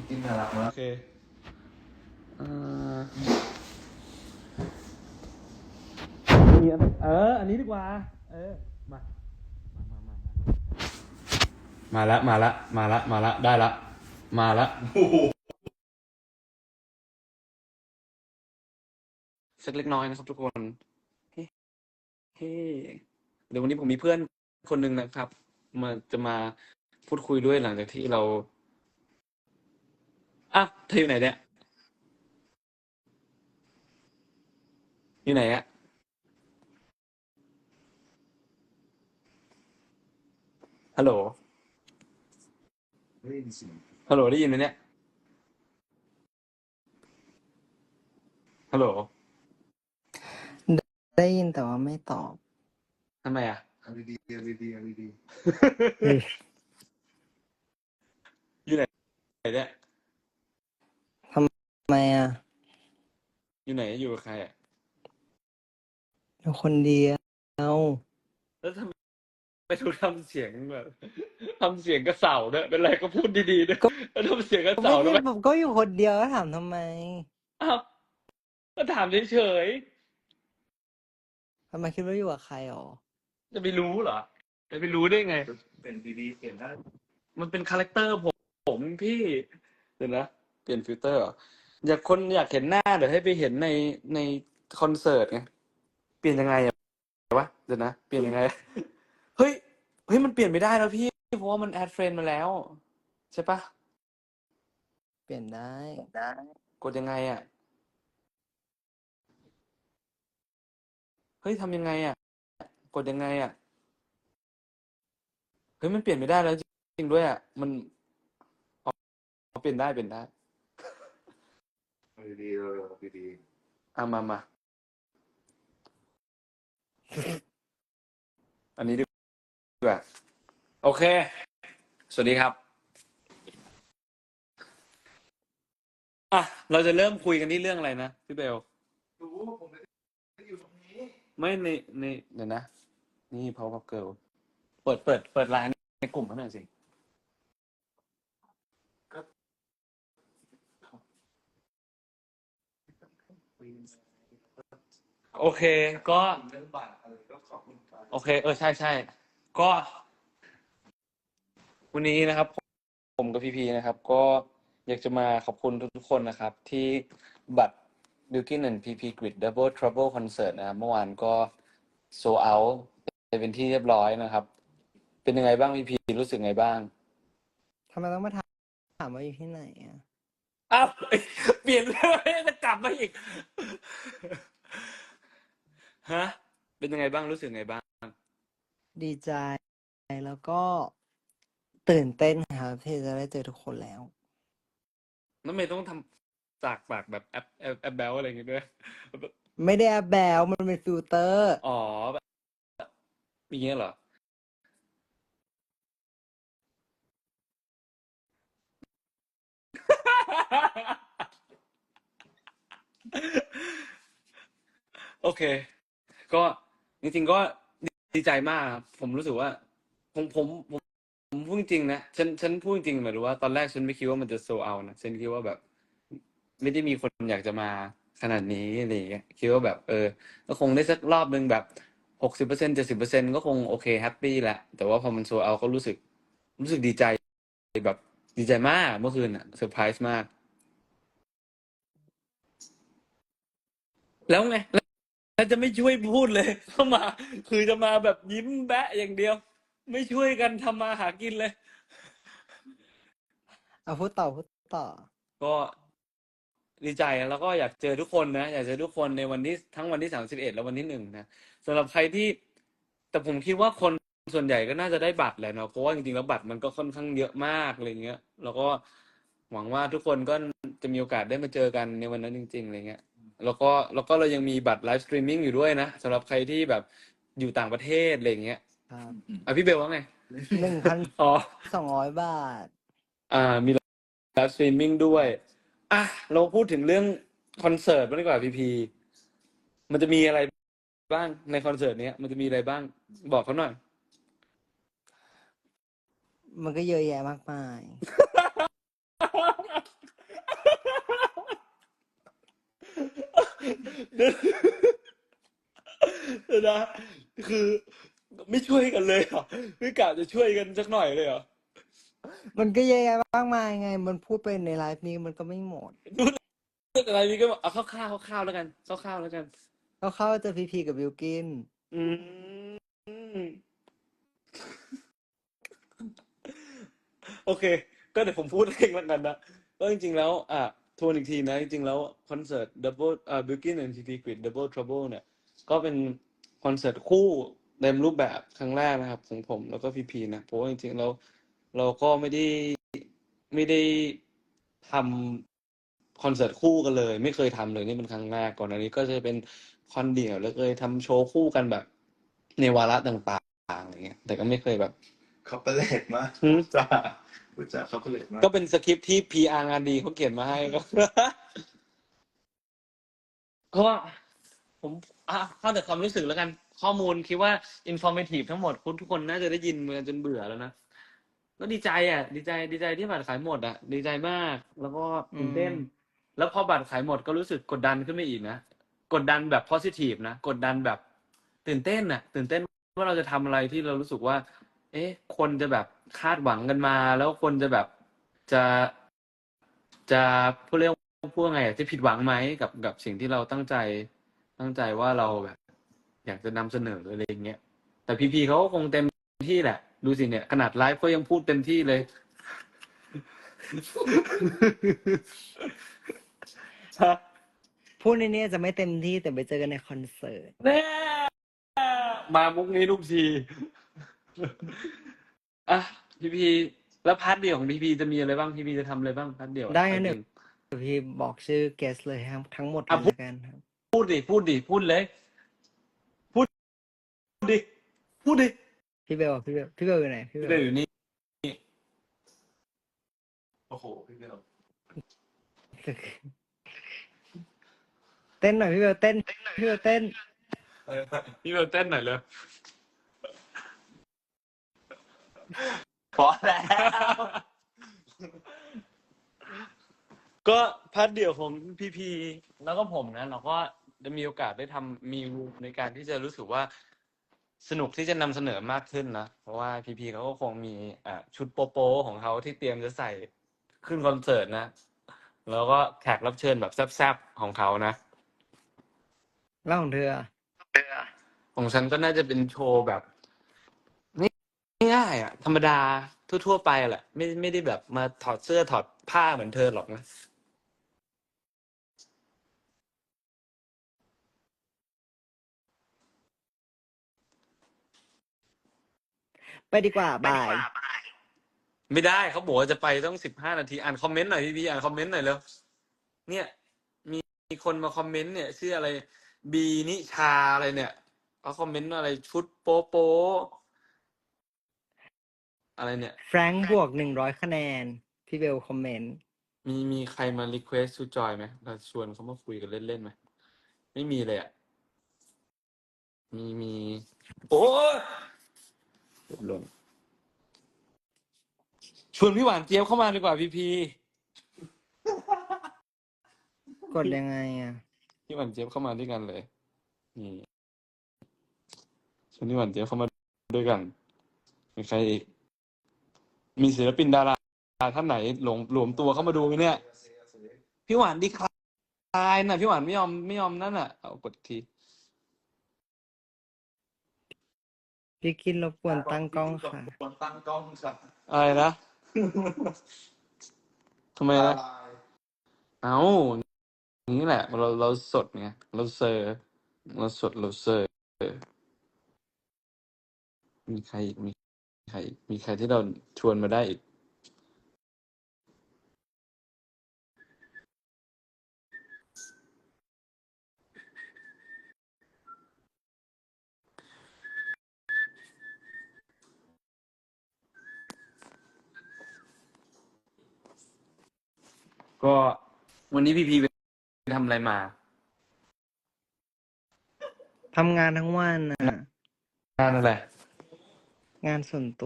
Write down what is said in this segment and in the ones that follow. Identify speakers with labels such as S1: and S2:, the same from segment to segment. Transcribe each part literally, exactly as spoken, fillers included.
S1: จิ้นน่ารักมา
S2: โอก เคเอ่อมีอันเออ อันนี้ดีกว่า เออ มา มามามามาละมาละมาละมาละได้ละ มาละสักเล็กน้อยนะครับทุกคน เฮ้เฮ้เดี๋ยววันนี้ผมมีเพื่อนคนหนึ่งนะครับ มาจะมาพูดคุยด้วยหลังจากที่เราอ่ะเธออยู่ไหนเนี่ย อยู่ไหนอะฮัลโหล
S1: ไม่ได้ยินเสียง
S2: ฮัลโหลได้ยินไหมเนี่ย ฮัลโหล
S3: ได้ยินแต่ว่าไม่ตอบ
S2: ทำไมอะ
S1: เอาดีๆเอาดีๆเอาดี
S2: อยู่ไหนเนี่ย
S3: ทำไมอ่ะ
S2: อยู่ไหนอยู่กับใครอะ
S3: อยู่คนเดียว
S2: แล้วทำไมทุกทำเสียงแบบทำเสียงกระเสาด้วยเป็นไรก็พูดดีๆด้วย
S3: ก็
S2: แล้วทำเสียงกระ
S3: ก็
S2: เสา
S3: ไม่
S2: ด้ว
S3: ได้
S2: ย
S3: ผมก็อยู่คนเดียวแล้วถามทำไม
S2: อ้าวก็ถามเฉย
S3: ทำไมคิดว่าอยู่กับใครหรอ
S2: ๆจะไปรู้เหรอจะไปรู้ได้ไง
S1: ๆเป็นดีๆเปลี่ยนได้
S2: มันเป็นคาแรคเตอร์ผมผมพี่เดี๋ยวนะเปลี่ยนฟิลเตอร์เหรออยากคนอยากเห็นหน้าเดี๋ยวให้ไปเห็นในในคอนเสิร์ตไงเปลี่ยนยังไงอะวะเดี๋ยวนะเปลี่ยนยังไง เฮ้ยเฮ้ยมันเปลี่ยนไม่ได้แล้วพี่เพราะว่ามันแอดเฟรนด์มาแล้วใช่ปะ
S3: เปลี่ยนได้
S2: กดยังไงอ่ะเฮ้ยทำยังไงอ่ะกดยังไงอ่ะเฮ้ยมันเปลี่ยนไม่ได้แล้วจริงๆด้วยอ่ะมันอ๋อเปลี่ยนได้เปลี่ยนได้
S1: เอาดีๆเออเอาดี
S2: อ่ะมามาอันนี้ดีกว่าโอเคสวัสดีครับอ่ะเราจะเริ่มคุยกันที่เรื่องอะไรนะพี่เบล
S1: ๆรู้ผมไม่ได้อยู่ตรงนี้
S2: ไม่ในในเดี๋ยวนะนี่ Power Girl เปิดเปิดเปิดไลน์ในกลุ่มเขาหน่อยสิโอเคก็
S1: เรื่องบัตรอะไรก็ขอบคุณไป
S2: โอเคเออใช่ใช่ก็ วันนี้นะครับผมผมกับพีพีนะครับ ก็อยากจะมาขอบคุณทุกๆคนนะครับ ที่บัตร Bilkin and พี พี Grid Double Trouble Concert นะครับเมื่อวานก็โซเอาไปเป็นที่เรียบร้อยนะครับ เป็นยังไงบ้างพีพีรู้สึกไงบ้าง
S3: ทำไมต้องมาถามถามว่าอยู่ที่ไหนอ่ะ
S2: อ้าวเปลี่ยนเรื่องจะกลับมาอีก ฮะ เป็นยังไงบ้างรู้สึกไงบ้าง
S3: ดีใจ แล้วก็ตื่นเต้นครับที่จะได้เจอทุกคนแล้ว
S2: น้ำเมย์ต้องทำจากปากแบบแอปแอปแอปแบลอะไรอย่างงี้ด้วย
S3: ไม่ได้แอบแบวมันเป็นฟิลเตอร์
S2: อ๋อแบบอย่างเงี้ยเหรอ โอเค ก็จริงๆก็ดีใจมากครับผมรู้สึกว่า ผมผมผมผมพูดจริงๆนะฉันฉันพูดจริงๆหมายถึงว่าตอนแรกฉันไม่คิดว่ามันจะโซเอานะฉันคิดว่าแบบ ไม่ได้มีคนอยากจะมาขนาดนี้อะไรอย่างเงี้ยคิดว่าแบบ เออ ก็คงได้สักรอบหนึ่งแบบหกสิบเปอร์เซ็นต์เจ็ดสิบเปอร์เซ็นต์ก็คงโอเคแฮปปี้แหละแต่ว่าพอมันโซเอาก็รู้สึก รู้สึกดีใจแบบดีใจมากเมื่อคืนอ่ะเซอร์ไพรส์มาก แล้วไงแล้วจะไม่ช่วยพูดเลยเข้ามา คือจะมาแบบยิ้มแบะอย่างเดียว ไม่ช่วยกันทำมาหากินเลย
S3: เอาพูดต่อพูดต่อ
S2: ก็ดีใจแล้วก็อยากเจอทุกคนนะอยากเจอทุกคนในวันที่ทั้งวันที่สามสิบเอ็ดและวันที่หนึ่งนะสำหรับใครที่ แต่ผมคิดว่าคนส่วนใหญ่ก็น่าจะได้บัตรแหละเนาะเพราะว่าจริงๆแล้วบัตรมันก็ค่อนข้างเยอะมากอะไรเงี้ย แล้วก็หวังว่าทุกคนก็จะมีโอกาสได้มาเจอกันในวันนั้นจริงๆอะไรเงี้ย แล้วก็แล้วก็เรายังมีบัตรไลฟ์สตรีมมิ่งอยู่ด้วยนะสำหรับใครที่แบบอยู่ต่างประเทศอะไรเงี้ย
S3: ครับ
S2: อ่ะพี่เบลว่าไง
S3: หนึ่งพัน
S2: อ๋อ
S3: สองร้อยบาท
S2: อ่ามีไลฟ์สตรีมมิ่งด้วยอ่ะเราพูดถึงเรื่องคอนเสิร์ตบ้างดีกว่าพีพีมันจะมีอะไรบ้างในคอนเสิร์ตเนี้ยมันจะมีอะไรบ้าง บอกเขาหน่อย
S3: มันก็เยอะแยะมากมาย
S2: เดี๋ยวเดี๋ยวนะคือไม่ช่วยกันเลยเหรอไม่กะจะช่วยกันสักหน่อยเลยเหรอ
S3: มันก็เยอะแยะมากมายไง มันพูดไปในไลฟ์นี้มันก็ไม่หมด
S2: พูดเรื่องอะไรนี่ก็เอาคร่าวๆคร่าวๆแล้วกันคร่าวๆแล้วกัน
S3: ก็เข้าเจะพีพีกับบิลกิน
S2: อืมโอเค ก็เดี๋ยวผมพูดเองแล้วกันนะก็จริงๆแล้ว อ่ะทวนอีกทีนะ จริงๆแล้วคอนเสิร์ต Double อ่า Bilkin แอนด์ ซี ที Grid Double Trouble เนี่ย ก็เป็นคอนเสิร์ตคู่เต็มรูปแบบครั้งแรกนะครับ ของผมแล้วก็พีพีนะ เพราะว่าจริงๆแล้วเราก็ไม่ได้ไม่ได้ทำคอนเสิร์ตคู่กันเลย ไม่เคยทำเลยนี่เป็นครั้งแรกก่อนอันนี้ก็จะเป็นคอนเดี่ยวแล้วเคยทำโชว์คู่กันแบบ ในวาระต่างๆอะไรเงี้ย แต่ก็ไม่เคยแบบ
S1: คอปเปอร์เลตมาก
S2: หืม
S1: จ้าพูดจาคอปเปอร์เลตมาก
S2: ก็เป็นสคริปต์ที่ พี อาร์ งานดีเขาเขียนมาให้ก็ เพราะว่าผมอ่ะเข้าแต่ความรู้สึกแล้วกัน ข้อมูลคิดว่า informative ทั้งหมดคุณทุกคนน่าจะได้ยินมาจนเบื่อแล้วนะ ก็ดีใจอ่ะ ดีใจดีใจที่บัตรขายหมดอ่ะ ดีใจมาก แล้วก็
S3: อื
S2: ตื่น
S3: ม
S2: เต้น แล้วพอบัตรขายหมดก็รู้สึกกดดันขึ้นไปอีกนะ กดดันแบบ positive นะ กดดันแบบตื่นเต้นอ่ะ ตื่นเต้นว่าเราจะทำอะไรที่เรารู้สึกว่า เอ๊ะ คนจะแบบคาดหวังกันมา แล้วคนจะแบบจะ จะพูดเรียกพูดว่าไงอ่ะจะผิดหวังไหมกับกับสิ่งที่เราตั้งใจ ตั้งใจว่าเราแบบ อยากจะนำเสนออะไรอย่างเงี้ย แต่พีพีเขาก็คงเต็มที่แหละ ดูสิเนี่ย ขนาดไลฟ์เขายังพูดเต็มที่เลย ฮะ
S3: พูดในนี้จะไม่เต็มที่แต่ไปเจอกันในคอนเสิร์ต
S2: แน่มามุกนี้ทุกที อ่ะพีพีแล้วพาร์ทเดี่ยวของพีพีจะมีอะไรบ้างพีพีจะทำอะไรบ้างพาร์ทเดี่ยว
S3: ได้
S2: หมา
S3: งั้
S2: ย
S3: น
S2: ถึ
S3: เดี๋ยว
S2: ง
S3: เดี๋ยวพี่บอกชื่อเกสเลยครับทั้งหมด
S2: อ่ะ
S3: เลย
S2: พูด
S3: แล้วกันครับ
S2: พูดดิพูดดิพูดเลย พูดดิพูดดิ
S3: พี่เบลอะพี่เบลพี่เบลอยู่ไหนพี่เบ
S2: พี่
S3: ล
S2: เบลอยู่นี่
S1: โอ้โหพี่เบล
S3: เต้นหน่อยพี่เบลเต้นพี่เบลเต้น
S2: พี่เบลเต้นหน่อยเลย พอแล้ว ก็พาร์ทเดี่ยวของพีพีแล้วก็ผมนะเราก็จะมีโอกาสได้ทำมีในการที่จะรู้สึกว่าสนุกที่จะนำเสนอมากขึ้นนะ เพราะว่าพีพีเขาก็คงมีอ่าชุดโปโปของเขาที่เตรียมจะใส่ขึ้นคอนเสิร์ตนะ แล้วก็แขกรับเชิญแบบแซ่บๆของเขานะ
S3: แล้วของเธออะ
S2: ของฉันก็น่าจะเป็นโชว์แบบง่ายๆอ่ะ ธรรมดาทั่วๆไปแหละ ไม่ไม่ได้แบบมาถอดเสื้อถอดผ้าเหมือนเธอหรอกนะ
S3: ไปดีกว่าบาย
S2: ไม่ได้เขาบอกว่าจะไปต้องสิบห้านาทีอ่านคอมเมนต์หน่อยพี่พี่อ่านคอมเมนต์หน่อยเร็วเนี่ย มีมีคนมาคอมเมนต์เนี่ยชื่ออะไรบีนิชาอะไรเนี่ยเขาคอมเมนต์อะไรชุดโป๊โป๊อะไรเนี่ย
S3: แฟรงค์บวกหนึ่งร้อยคะแนน พี่เบลคอมเมนต์
S2: มีมีใครมารีเควสชูจอยไหมเราชวนเขามาคุยกันเล่นๆไหมไม่มีเลยอ่ะ มีมีโอ้ยหล่นชวนพี่หวานเจี๊ยบเข้ามาดีกว่าพี่พี
S3: กดยังไงอ่ะ
S2: พี่หวานเจี๊ยบเข้ามาด้วยกันเลยนี่ชวนพี่หวานเจี๊ยบเข้ามาด้วยกันมีใครอีกมีศิลปินดาราท่านไหนหลงหลวมตัวเข้ามาดูไหมเนี่ย พี่หวานดีคลายน่ะพี่หวานไม่ยอมไม่ยอมนั่นน่ะเอากดที
S3: พี่กินรบกวนตั้งกล้องค่ะ
S1: ควรตั้งกล้องค่ะ
S2: อะไรนะ ทำไม
S1: ละ
S2: นะ
S1: ลาย
S2: เอานี่แหละ เราเราสดไงเราเซอร์เราสดเราเซอร์มีใครอีกมีใครอีกมีใครที่เราชวนมาได้อีก ก็วันนี้พี่พีไปทำอะไรมา
S3: ทำงานทั้งวันน่ะ
S2: งานอะไร
S3: งานส่วนตัว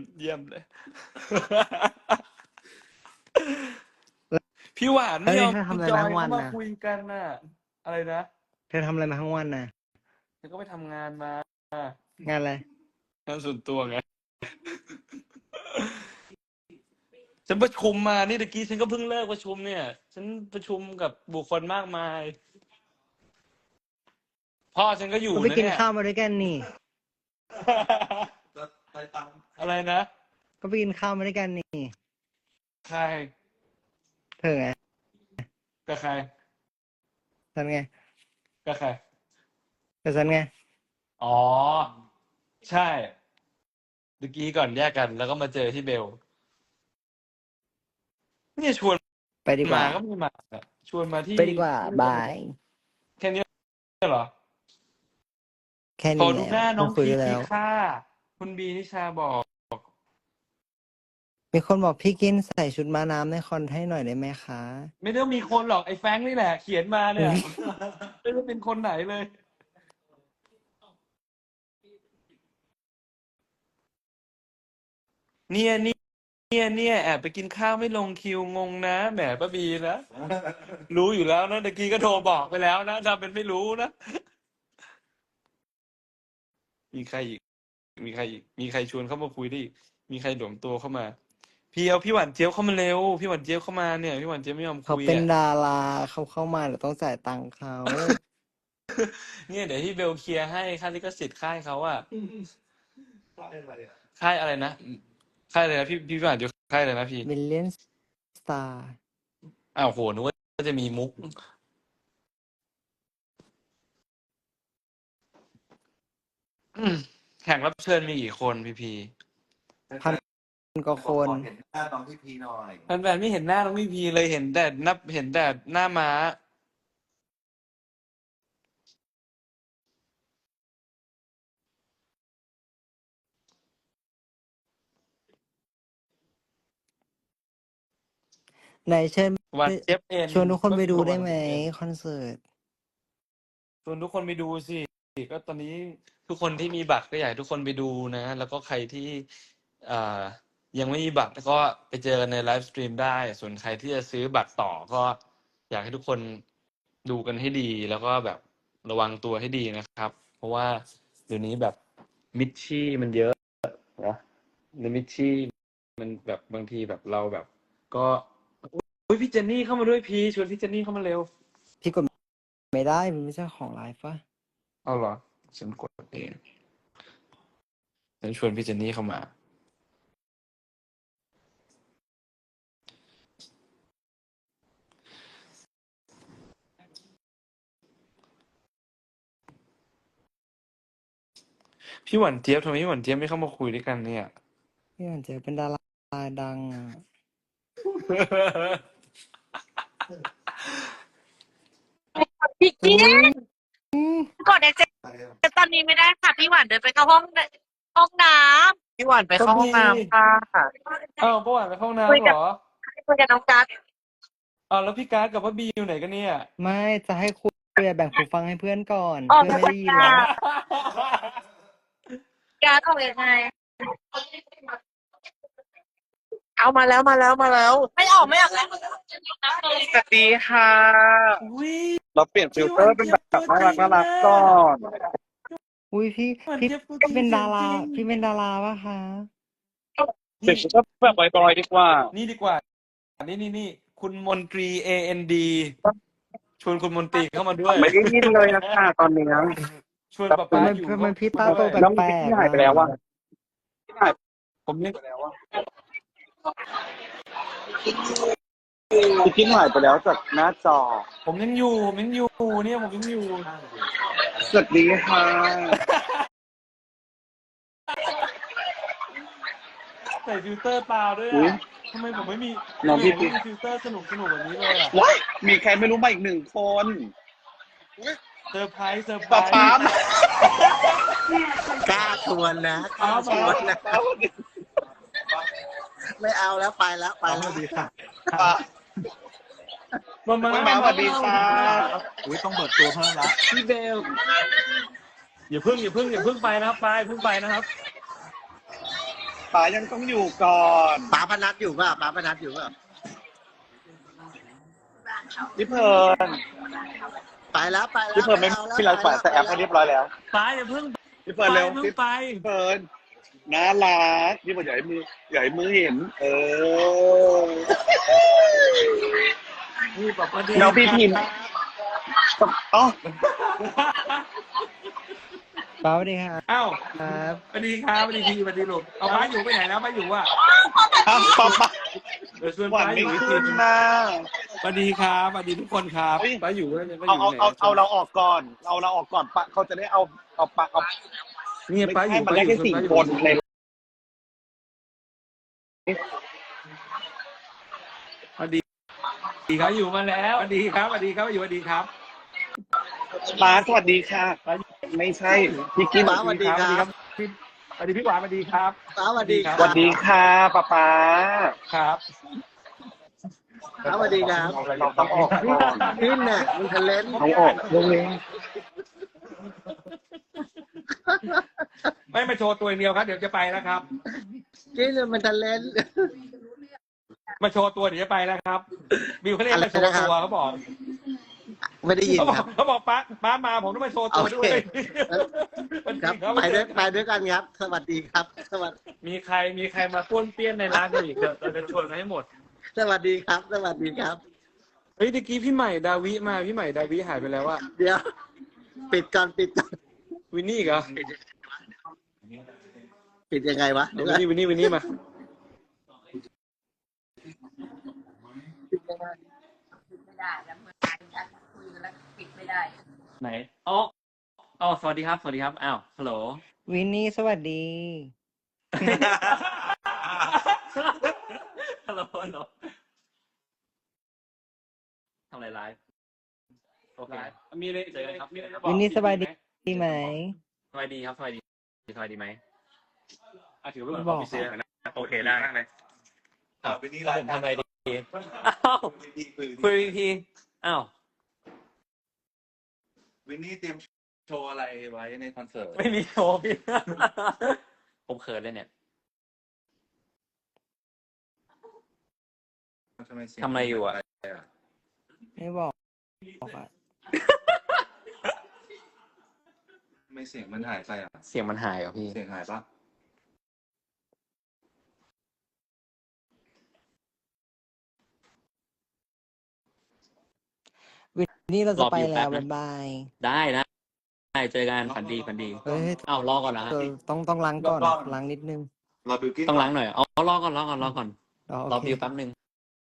S2: เยี่ยมเลย พี่หวาน
S3: แล้
S2: ไม่
S3: ว
S2: ย
S3: นี่
S2: อม
S3: เธอทำอะไร
S2: จ
S3: มา
S2: อย
S3: ทั้งวั
S2: เข้าน มา
S3: น่ะ
S2: คุยกันน่ะ อะไรนะ
S3: เธอทำอะไรมาทั้งวันน่ะ
S2: ฉันก็ไปทำงานมา
S3: งานอะไร
S2: งานส่วนตัวไง ฉันประชุมมานี่ตะกี้ฉันก็เพิ่งเลิกประชุมเนี่ย ฉันประชุมกับบุคคลมากมาย พ่อฉันก็อยู่
S3: ก็ไป
S2: นะ
S3: กิน
S2: เนี่ย
S3: ข้าวมาด้วยกันนี่
S1: จะไปตัง
S2: อะไรนะ
S3: ก็ไปกินข้าวมาด้วยกันนี่
S2: ใคร
S3: เธอไง
S2: กับใคร
S3: ฉันไง
S2: กับใคร
S3: กับฉันไง
S2: อ๋อ ใช่ตะกี้ก่อนแยกกัน แล้วก็มาเจอที่เบล เนี่ยชวน
S3: ไปดีก
S2: มา
S3: ว่า
S2: ก็ไม่มาอะชวนมาที่
S3: ไปดีกว่า บาย
S2: แค่นี้เหรอ
S3: แค่
S2: ขอ
S3: นี้
S2: ดู
S3: แล้
S2: หน้าว น้อง
S3: คุย
S2: พี
S3: ได้
S2: ที
S3: แล้ว
S2: ค่ะ คุณบีนิชาบอก
S3: มีคนบอกพี่กินใส่ชุดม้าน้ำในคอนให้หน่อยได้ไหมคะ
S2: ไม่ต้องมีคนหรอกไอ้แฟรงค์นี่แหละ เขียนมาเนี่ย ไม่รู้เป็นคนไหนเลย เนี่ยเนี่ยเนี่ยเนี่ยแอบไปกินข้าวไม่ลงคิวงงนะแหมป้าบีนะ รู้อยู่แล้วนะตะกี้ก็โทรบอกไปแล้วนะทำเป็นไม่รู้นะ มีใครอีก มีใครอีก มีใครชวนเข้ามาคุยได้อีก มีใครหลวมตัวเข้ามา พี่เอาพี่หวานเจี๊ยบเข้ามาเร็ว พี่หวานเจี๊ยบเข้ามาเนี่ย พี่หวานเจี๊ยบไม่ยอม
S3: เขา
S2: คุย
S3: เป็น
S2: อ่ะ
S3: ดาราเขาเข้ามาเดี๋ยวต้องจ่ายตังค์เขา
S2: เนี่ยเดี๋ยวที่เบลเคลียร์ให้ค่าลิขสิทธิ์ค่ายเขาอะ
S1: ใช่อะไรอ่ะ
S2: ค่ายอะไรนะ ค่ายอะไรนะพี่พี่หวานอยู่ค่ายอะไรนะพี่
S3: มิลเลียนสตาร์
S2: อ้าวโหนึกว่าจะมีมุก อืมแขกรับเชิญมีกี่คนพี่พี
S3: พันกว่าคน
S1: ขอเห็นหน้าน้องพี่พีหน่อย
S2: แฟนๆไม่เห็นหน้าน้องพี่พีเลยเห็นแต่นับเห็นแต่หน้าม้า
S3: ไหนเชิญ
S2: หวานเจี๊ยบเอ็น
S3: ชวนทุกคนไปดูได้ไหม
S2: ก็คือหวานเจี๊ยบ
S3: คอนเสิร์ต
S2: ชวนทุกคนไปดูสิ ก็ตอนนี้ทุกคนที่มีบัตรก็อยากให้ทุกคนไปดูนะ แล้วก็ใครที่อ่ายังไม่มีบัตรก็ไปเจอกันในไลฟ์สตรีมได้ ส่วนใครที่จะซื้อบัตรต่อก็อยากให้ทุกคนดูกันให้ดี แล้วก็แบบระวังตัวให้ดีนะครับ เพราะว่าเดี๋ยวนี้แบบมิชชี่มันเยอะนะในมิชชี่มันแบบบางทีแบบเราแบบ ก็อุ๊ยพี่เจนนี่เข้ามาด้วยพีชวนพี่เจนนี่เข้ามาเร็ว
S3: พี่กดไม่ได้มันไม่ใช่ของไลฟ์ปะ
S2: เอาเหรอฉันกดเองฉันชวนพี่เจนนี่เข้ามา พี่หวานเจี๊ยบทำไมพี่หวานเจี๊ยบไม่เข้ามาคุยด้วยกันเนี่ย
S3: พี่หวานเจอเป็นดาราดังอ่ะ
S4: พี่กี้
S3: อืม
S4: กดเอเจ
S1: ไปอ่ะ
S4: ตอนนี้ไม่ได้ค่ะ พี่หวานเดินไปเข้าห้องห้องน้ำพี่หวานไปเข้าห้องน้ำค่ะ
S2: อ้าวป้าหวานไปเข้าห้อง
S4: คุย
S2: น้ำ
S4: กั
S2: เห
S4: บ
S2: รอ
S4: คุยกับน้องกัส
S2: อ้าวแล้วพี่การ์ดกับป้าบีอยู่ไหนกันเนี่ย
S3: ไม่จะให้คุยอะแบ่งหูฟังให้เพื่อนก่อน
S4: ออก
S3: เพื่อน
S4: ไป
S3: ไม่ได้ยินหรอ
S4: กัสออกยังไง เอามาแล้วมาแล้วมาแล้ว ไม่ออกไม่ออกแล้ว
S5: สวัสดีค่ะ
S2: อุ้ย
S5: เราเปลี่ยนฟิลเตอร์เป็นแบบน่ารักน่ารักก่อน
S3: อุ้ยพี่
S2: หวาน
S3: พี่
S2: เจี๊ยบตัวจ
S3: ก็
S2: ริง
S3: เป็นดารา
S2: เสียงจริง
S3: พี่เป็นดาราปะคะ
S5: เปลี่ยนฟิลเตอร์แบบบอยๆดีกว่า
S2: นี่ดีกว่า นี่นี่นี่คุณมนตรี เอ เอ็น ดี ชวนคุณมนตรีเข้ามาด้วย
S5: ไม่ได้ยินเลยนะคะตอนนี้
S2: ชวนป๊า
S3: ทำ
S2: ป๊า
S3: ไม
S2: อยู่
S3: ทำไมพี่ตาโต
S2: ด้วย
S5: น้อง
S3: แปล
S5: พี่
S3: ก
S5: ที่
S3: ๆ
S5: หายไปแล้ว
S3: อะ
S5: อะที่หาย
S2: ผมยัง
S5: ไปแล้วอะพี่กินหายไปแล้วจากหน้าจอ
S2: ผมยังอยู่ ผมยังอยู่เนี่ยผมยังอยู่
S5: สวัสดีค่ะ
S2: ใส่ฟิลเตอร์ตาด้วย
S5: อุ๊ย
S2: อ่ะทำไมผมไม่มี
S5: น้อง
S2: ทำไม
S5: พี่
S2: ผมไม่มีฟิลเตอร์สนุกสนุกแบบนี้เลยอ่ะ
S5: ว้ายมีใครไม่รู้มาอีกหนึ่งคน
S2: เซอร์ไพรส์เซอร์ไพร
S5: ป๊า
S2: ส์
S5: ป๊าม
S6: กล้าชวนนะกล้าชวนนะไม่เอาแล้วไปแล้วไปแล้ว
S1: ดีค่ะ
S5: ป๊า
S2: มามา
S5: มาสวัสดีค่ะ
S1: อุ้ยต้องเปิดตัวเพิ่มละ
S2: พี่เบลอย่าเพิ่งอย่าเพิ่งอย่าเพิ่งไปนะครับไปเพิ่งไปนะครับ
S5: ป๋ายังต้องอยู่ก่อน
S6: ป๋าพนัทอยู่ป่ะป๋าพนัทอยู่ป่ะ
S5: พี่เพิร์น
S6: ไปแล้วไปแล้ว
S5: พี่เพิร์นไม่
S6: เอาแล้ว
S5: พี่ไลฟ์
S6: ไป
S5: แต่แอปให้เรียบร้อยแล้ว
S2: ไปอย่าเพิ่ง
S5: พี่เพิร์นเร็ว
S2: เพิ่
S5: พี่
S2: งไป
S5: เพิร์นน่ารักพี่เพิร์นอย่าให้มืออย่าให้มือเห็น เออ
S2: นี่บอกว่าดี
S5: น้องพี่พิมพ์อ๋อ
S3: ป้าสวัสดีครับ
S2: อ้าว
S3: ครับ
S2: สวัสดีครับสวัสดีทีสวัสดีลูกเอาป้าอยู่ไปไหนแล้วป้าอยู่อ่ะ
S5: อ้าวป๊าป๊า
S2: เดี๋ยวชวน
S5: หวาน
S2: ป้าอ
S5: ไม่
S2: ยู่อีกที
S5: ขึ้น
S2: นึง
S5: นะ
S2: สวัสดีครับสวัสดีทุกคนครับ
S5: เฮ้ย
S2: ป้าอยู่ป้าอยู่
S5: เอา
S2: ไหน
S5: เอาเอาเอาเราออกก่อน เอาเราออกก่อนปะเขาจะได้เอาเอาปะเอา
S2: นี่
S5: ไม่
S2: ป้าอ
S5: ใช่
S2: ยู่
S5: มัน
S2: ป้า
S5: ได้
S2: อยู่
S5: แค่สี่
S2: ป้าอยู่
S5: คนเลย
S2: สวัสดีสวัสดีครับอยู่มาแล้วสวัสดีครับสวัสดีครับอยู่สวัสดีครับ
S5: ป้าสวัสดีค่ะ ไม่ใช่พี่กิ๊ฟ
S6: ป๋าสวัสดีครับ
S2: พี่สวัสดีพี่หวานสวัสดีครับ
S6: ป๋าสวัสดีค
S5: ส
S6: รับ
S5: วัสดีค่ะป้าป๊า
S2: ครับ
S6: ป๋าสวัสดีครับ
S5: เราต้องออกก่อน
S6: ขึ้นน่ะมันทะเลน
S5: ต้องออกเรื่องนี้
S2: ไม่มาโชว์ตัวอย่างเดียวครับเดี๋ยวจะไปแล้วครับ
S6: ขึ้นน่ะมันทะเลน
S2: มาโชว์ตัวเดี๋ยวจะไปแล้วครับบิวเขาเรียกมาโชว์ตัวเขาบอก
S6: ไม่ได้ยิน
S2: เขาบอ
S6: ค
S2: ก
S6: รับ
S2: เขาบอกป้าป้ามาผมต้องมาโชว์ตัวด้วย
S6: โอเค ครับไปด้วยไปด้วยกันครับ สวัสดีครับ สวัสดี
S2: มีใครมีใครมาป้วนเปี้ยนในร้านกันอีกเดี๋ยวเราจะชวนกันให้หมด
S6: สวัสดีครับ สวัสดีครับ
S2: เฮ้ยตะกี้พี่ใหม่ดาวิมาพี่ใหม่ดาวิหายไปแล้วอะ
S6: เดี๋ยว ปิดก่อนปิดก่อน
S2: วินนี่อีกเหรอ
S6: ปิดยังไงวะ
S2: เอา
S6: เดี๋ยว
S2: วินนี่วินนี่วินนี่มา
S7: ไม่ได้แล้วเมื่อฉันคุยกันแล้วปิดไม่ได้
S2: ไหนอ๋ออ๋อสวัสดีครับสวัสดีครับอ้าวฮัลโหล
S3: วินนี่สวัสดี
S2: ฮัลโหลฮัลโหลทำอะไรไลฟ์โอเคมีอะไรเจอกันครับมีอะไรจะบอก
S3: วินนี่สบายดีดีไหม
S2: สบายดีครับสบายดีสบายดีไหมอ่ะถือว่าเหมือน
S3: บ
S2: อ
S3: อ
S2: อก ฟฟิเซียลนะโอเคได้เลย
S1: อ่าไปนี่ไล
S2: ผม
S1: น์
S2: ทำอะไรดีอ้าว
S1: วินนี่คือ
S2: คุยอีกทีอ้าว
S1: วินนี่เตรียมโชว์อะไรไว้ในคอนเสิร์ต
S2: ไม่มีโชว์พี่ ผมเขินเลยเนี่ย
S1: ทำไมเสียง
S2: ทำอะไรอยู่อะ
S3: ไม่บอกบอกอะ
S1: ทำไม่เสียงมันหายไปอ่ะ
S2: เสียงมันหายเหรอพี่
S1: เสียงหายปะ
S3: วินนี่เราจะไป
S2: รออยู่แป๊
S3: แล้
S2: บ
S3: ว
S2: นะ
S3: บ๊ายบาย
S2: ได้ได้ได้เจอกันฝันดีฝันดี
S3: เฮ้ย
S2: อ้าวรอก่อนนะฮะ
S3: เธอต้องต้องล้างก่อนล้างนิดนึง
S1: รอบิวกิ้น
S2: ต้องล้างหน่อยเอาเอารอก่อนรอก่อนรอก่อน
S3: อ๋อ
S2: รอ
S3: โอเค
S2: บิวแป๊บนึง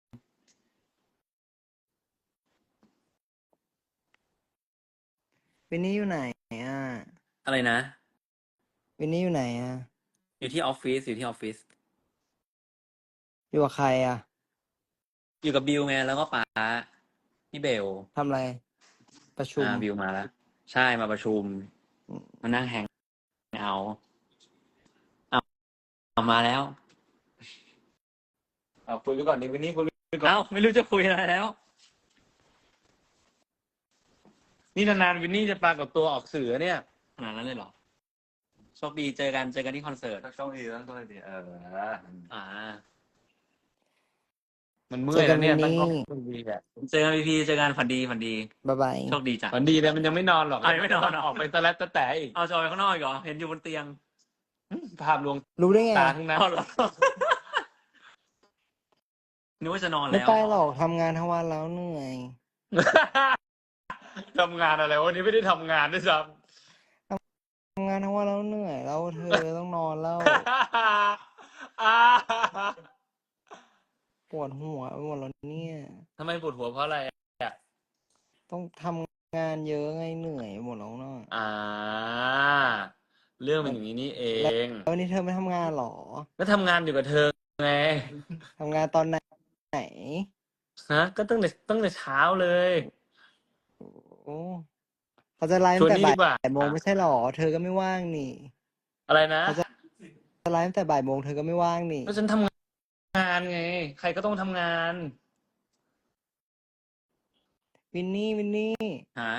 S3: วินนี่อยู่ไหนอ่ะ
S2: อะไรนะ
S3: วินนี่อยู่ไหนอ่ะ
S2: อยู่ที่ออฟฟิศอยู่ที่ออฟฟิศ
S3: อยู่กับใครอ่ะ
S2: อยู่กับบิวไงแล้วก็ป๋าพี่เบล
S3: ทำอะไร ประชุม
S2: อ่าบิวมาแล้ว ใช่มาประชุม
S3: อืม
S2: มานั่งแฮงเอาเอาเอามาแล้วเอาคุยไปก่อนดิวันนี้คุยไปก่อนเอ้าไม่รู้จะคุยอะไรแล้ว นี่นานๆวินนี่จะปรากฏตัวออกสื่อเนี่ยขนาดนั้นเลยเหรอโชคดีเจอกันเจอกันที่คอนเสิร์ต
S1: ช่องดีแล้วก็เลยดีเออ
S2: อ่า มันเมื่อยแล้วเนี่ยตั้งกล้องมันดีแหละเจอกันพีพีเจอกันฝันดีฝันดี
S3: บ๊ายบาย
S2: โชคดีจ้ะฝันดีเลยมันยังไม่นอนหรอกยังไม่นอนออกไปตะแลตะแต่อีกเอาจอยข้างนอกอีกเหรอเห็นอยู่บนเตียงภาพลวง
S3: รู้ได้ไง
S2: ตาทั้งนั้นเหรอนึกว่าจะนอน
S3: ไม่
S2: แล้ว
S3: ไปหรอกทำงานทั้งวันแล้วเหนื่อย
S2: ทำงานอะไรวันนี้ไม่ได้ทำงานด้วยซ้
S3: ทำงานทั้งวันแล้วเหนื่อยแล้วเธอต้องนอนแล้ว
S2: ำ
S3: ปวดหัวไปหมดแล้วเนี่ย
S2: ทำไมปวดหัวเพราะอะไรอ่ะ
S3: ต้องทำงานเยอะไงเหนื่อยหมดแล้วเนาะ
S2: อ่า เรื่องมันอย่างนี้นี่เอง
S3: แล้ววันนี้เธอไม่ทำงานหรอ
S2: แล้วทำงานอยู่กับเธอไง
S3: ทำงานตอนไหนไหน
S2: ฮะก็ตั้งแต่ตั้งแต่เช้าเลย
S3: โอ้เขาจะไลฟ์
S2: ชว
S3: ตั้
S2: น
S3: งแต่
S2: นี่
S3: บ่า
S2: ดีกว่า
S3: ยโมงไม่ใช่หรอ เธอก็ไม่ว่างนี่
S2: อะไรนะ
S3: เขาจะจะไลฟ์ตั้งแต่บ่ายโมงเธอก็ไม่ว่างนี่
S2: ก็ฉันทำงานไง ใครก็ต้องทำงาน
S3: วินนี่วินนี่
S2: ฮะ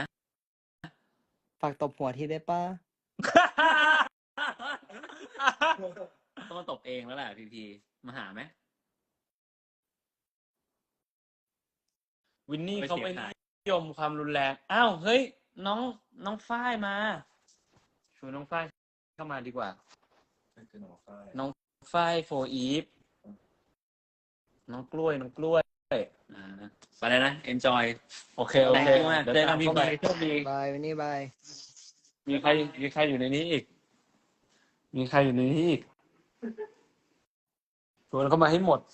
S3: ฝากตบหัวทีได้ปะ
S8: ต้องมาตบเองแล้วแหละพีพีมาหาไหม
S2: วินนี่
S8: ไม่
S2: เขา
S8: เสีย
S2: ไม่
S8: หาย
S2: นิยมความรุนแรงอ้าวเฮ้ยน้องน้องฝ้ายมาชวนน้องฝ้ายเข้ามาดีกว่า
S1: ไม่คือหนอฝ้าย
S2: น้องฝ้ายโฟอีฟน้องกล้วยน้องกล้วย
S8: อ่าไปเลยนะ enjoy
S2: โอเคโอเค
S8: Thank you มาก
S2: เดี๋ยว
S8: เจอกั
S2: ตาน ม
S8: พี่
S2: เข้าไป
S8: พี
S2: โชคดี
S3: บายวันนี้บาย
S2: มีใครมีใครอยู่ในนี้อีก มีใครอยู่ในนี้อีกชวนเข้ามาให้หมด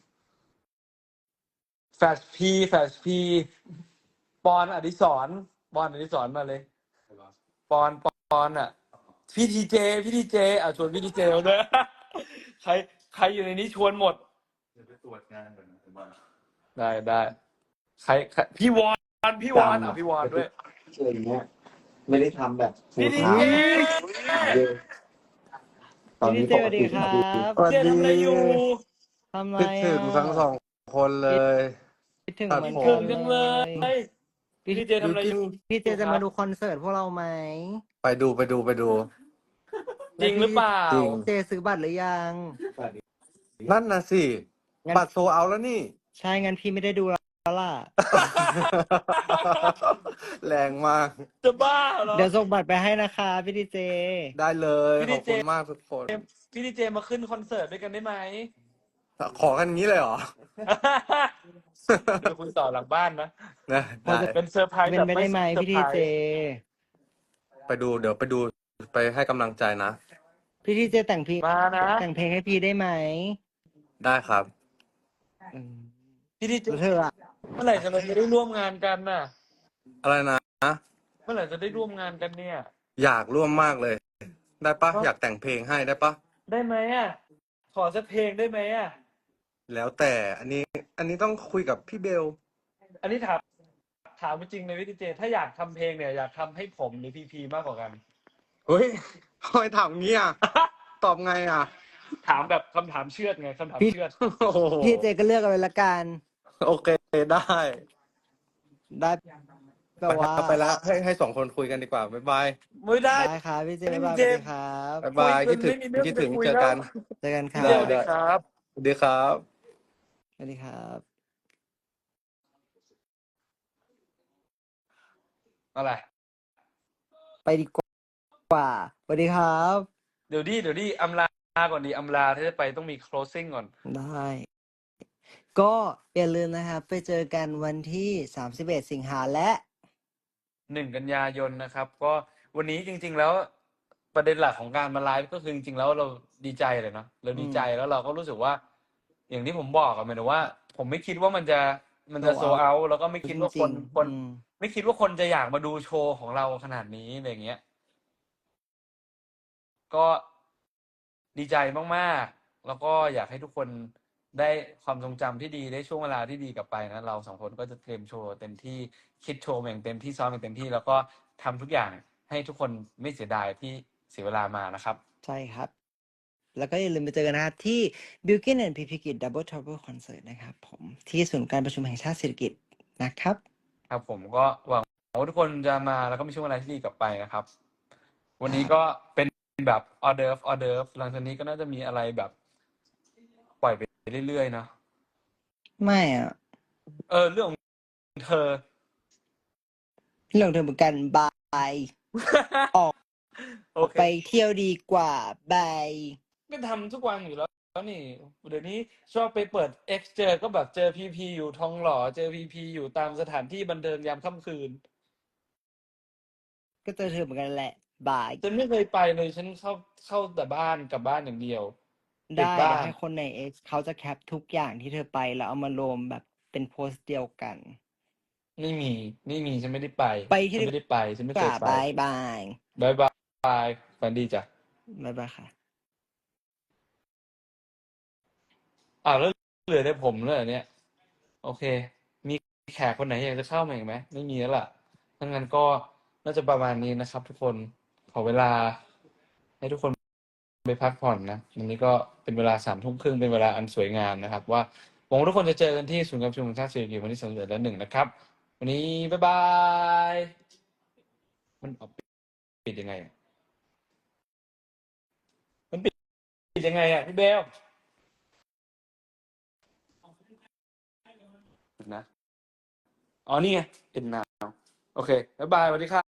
S2: แฟชพีแฟชพีปอนอดิศรปอนอดิศรมาเลย ปอนปอนอ่ะพี่ทีเจพี่ทีเจอ่ะชวนพี่ทีเจมาด้วย ใครใครอยู่ในนี้ชวนหมด
S1: เดี๋ยวไปตรวจงานก่อนนะผมว่า
S2: ได้ได้ใครใครพี่วอนพี่วอนอ่ะพี่วอนด้วย
S6: อะไรอย่างเงี้ยไม่ได้ทำแบบ
S2: พี่ที
S6: full
S2: เจ
S6: time ตอน
S3: พี่
S6: นี้
S3: เจ
S6: ป
S3: ส
S6: ก
S3: วัสดี
S6: ติ
S3: ครั
S6: พี่
S3: บ
S2: พี่เจทำอะไรอยู่
S3: ทำไร
S9: คิดถึงทั้งส
S3: อ่ะ
S9: องคนเลย
S3: คิดถึง
S9: ครับ
S3: เหมือน
S2: ถึ
S3: กั
S2: ง
S3: น
S2: จัง
S3: เล
S2: เลย ยพี่ทีเจทำอะไรอยู่
S3: พี่เจจะมาดูคอนเสิร์ตพวกเราไหม
S9: ไปดูไปดูไปดู
S2: จริงหรือเปล่า
S9: จริง
S3: เจซื้อบัตรหรือยัง
S9: นั่นน่ะสิ
S3: งั้น
S9: บัตรโซเอาแล้วนี่
S3: ใช่งั้นพี่ไม่ได้ดูแล้วล่ะ
S9: แรงมาก
S2: จะบ้าเหรอ
S3: เดี๋ยวส่งบัตรไปให้นะคะพี่ดีเจ
S9: ได้เลย
S2: พี่
S9: ข
S2: ดี
S9: อบ
S2: เจ
S9: คุณมากทุกคน
S2: พี่ทีเจมาขึ้นคอนเสิร์ตด้วยกันได้ไหม
S9: ขอกันงี้เลยเหรอ
S2: เดี๋ยวคุณต่อหลังบ้านนะ
S9: นะได้
S2: เป็นเซอร์ไพรส์
S3: เป็น
S2: แบบ
S3: ไปได้ไหม
S2: เซอ
S3: พี่
S2: ร์
S3: ดี
S2: ไพร
S3: เจ
S2: ส์
S9: ไปดูเดี๋ยวไปดูไปให้กำลังใจนะ
S3: พี่ดีเจแต่งเพลง
S2: มานะ
S3: แต่งเพลงให้พี่ได้ไหม
S9: ได้ครับ
S3: อืม
S2: พี่ทีเจ
S3: แล้วเธออะ
S2: เมื่อไหร่จะเราจะได้ร่วมงานกันน่ะ
S9: อะไรนะ
S2: เมื่อไหร่จะได้ร่วมงานกันเนี่ย
S9: อยากร่วมมากเลย ได้ปะ
S2: ครับ
S9: อยากแต่งเพลงให้ได้ปะ
S2: ได้ไหมอ่ะ ขอสักเพลงได้ไหมอ่ะ
S9: แล้วแต่อันนี้ อันนี้ต้องคุยกับพี่เบล
S2: อันนี้ถามถามจริงเลยพี่ทีเจ ถ้าอยากทำเพลงเนี่ยอยากทำให้ผมหรือพีพีมากกว่ากัน
S9: เฮ้ยทำไมถามงี้อ่ะ ตอบไงอ่ะ
S2: ถามแบบคำถามเชือดไงคำถามเชือด
S9: โอ้โห
S3: พี่เจก็เลือกเอาเลยละกัน
S9: โอเคได้
S3: ได้แปล
S9: ไป
S3: ว่า
S9: แล้วไปแล้วให้ให้สองคนคุยกันดีกว่า บ๊ายบาย
S2: ไม่ได้
S3: ได้ครับพี่เจ
S2: พี่
S3: บ๊ายบาย
S2: เจ
S3: สวัสดีครับ
S9: บ๊ายบาย
S2: คุ
S9: คิ
S2: ย
S9: ด
S2: จ
S9: ถึ
S2: น
S9: ง
S2: ไม่มีเรื่อง
S9: คิดถึง
S2: จะคุย
S9: เจอ
S2: แล้ว
S9: กัน
S3: เจอกันค
S2: พี่
S3: รั
S2: เจ
S3: บ
S2: สวัสดีครับ
S9: สวัสดีครับ
S3: สวัสดีครับ
S2: อะไร
S3: ไปดีกว่าสวัสดีครับ
S2: เดี๋ยวดิเดี๋ยวดิอำลาก่อนดีอำลาถ้าจะไปต้องมี closing ก่อน
S3: ได้ ก็อย่าลืมนะครับ ไปเจอกันวันที่สามสิบเอ็ดสิงหาและ
S2: หนึ่งกันยายนนะครับ ก็วันนี้จริง ๆ แล้วประเด็นหลักของการมาไลฟ์ก็คือจริงๆแล้วเราดีใจเลยเนาะเราดีใจแล้วเราก็รู้สึกว่า อย่างที่ผมบอกอะหมายถึงว่า ผมไม่คิดว่ามันจะมันจะโซ
S3: sold out
S2: เอาแล้วก็ไม่คิดว่า
S3: จริ
S2: ค
S3: ง
S2: น
S3: ๆ
S2: คน
S3: อืม
S2: ไม่คิดว่าคนจะอยากมาดูโชว์ของเราขนาดนี้อะไรอย่างเงี้ย ก็ดีใจมากๆ แล้วก็อยากให้ทุกคนได้ความทรงจำที่ดีได้ช่วงเวลาที่ดีกลับไปนะเราสองคนก็จะเตรียมโชว์เต็มที่คิดโชว์อย่างเต็มที่ซ้อมอย่างเต็มที่ แล้วก็ทำทุกอย่างให้ทุกคนไม่เสียดายที่เสียเวลามานะครับ
S3: ใช่ครับ แล้วก็อย่าลืมไปเจอกันนะครับ ที่ Bilkin and พี พี Kid Double Trouble Concert นะครับผมที่ศูนย์การประชุมแห่งชาติเศรษฐกิจนะครับ
S2: ครับผมก็หวังว่าทุกคนจะมาแล้วก็มีช่วงเวลาที่ดีกลับไปนะครับ วันนี้
S3: ครับ
S2: ก็เป็นแบบออเดิร์ฟออเดิร์ฟหลังจากนี้ก็น่าจะมีอะไรแบบ ปล่อยไปเรื่อยๆเนาะ
S3: ไม่อ่ะ
S2: เออเรื่องของเธอ
S3: เรื่องเธอเหมือนกันบาย ออก
S2: โอเค
S3: ไปเที่ยวดีกว่าบาย
S2: ก็ทำทุกวันอยู่แล้วแล้วนี่เดี๋ยวนี้ชอบไปเปิด X เจอก็แบบเจอพีพีอยู่ทองหล่อเจอพีพีอยู่ตามสถานที่บันเทิงยามค่ำคืน
S3: ก็เจอเธอเหมือนกันแหละบาย
S2: ฉันไม่เคยไปเลยฉันเข้าเข้าแต่บ้านกลับบ้านอย่างเดียวเด็ก
S3: ได้
S2: บ้า
S3: เดี๋ยวน ให้คนใน X เขาจะแคปทุกอย่างที่เธอไปแล้วเอามารวมแบบเป็นโพสต์เดียวกัน
S2: ไม่มีไม่มีฉันไม่ได้ไป
S3: ไปที่
S2: ฉันไม่ได้ไปฉันไม่
S3: ก
S2: เคย
S3: ว่า
S2: ไป
S3: บายบาย
S2: บายบายฝันดีจ้ะ
S3: บายบายค่ะ
S2: อ้าวแล้วเหลือแต่ผมเลยเหรอเนี่ย โอเค มีแขกคนไหนอยากจะเข้ามาอีกไหมไม่มีแล้วล่ะถ้างั้นก็น่าจะประมาณนี้นะครับ ทุกคนขอเวลา ให้ทุกคนไปพักผ่อนนะวันนี้ก็เป็นเวลาสามทุ่มครึ่งเป็นเวลาอันสวยงามนะครับ ว่าหวังว่าทุกคนจะเจอกันที่ศูนย์การประชุมแห่งชาติสิริกิติ์วันที่สามสิบเอ็ดและหนึ่งนะครับ วันนี้บ๊ายบายมันออกปิดยังไงอะมันปิดปิดยังไงอ่ะพี่เบลนะอ๋อนี่ไง End now โอเคบ๊ายบายสวัสดีครับ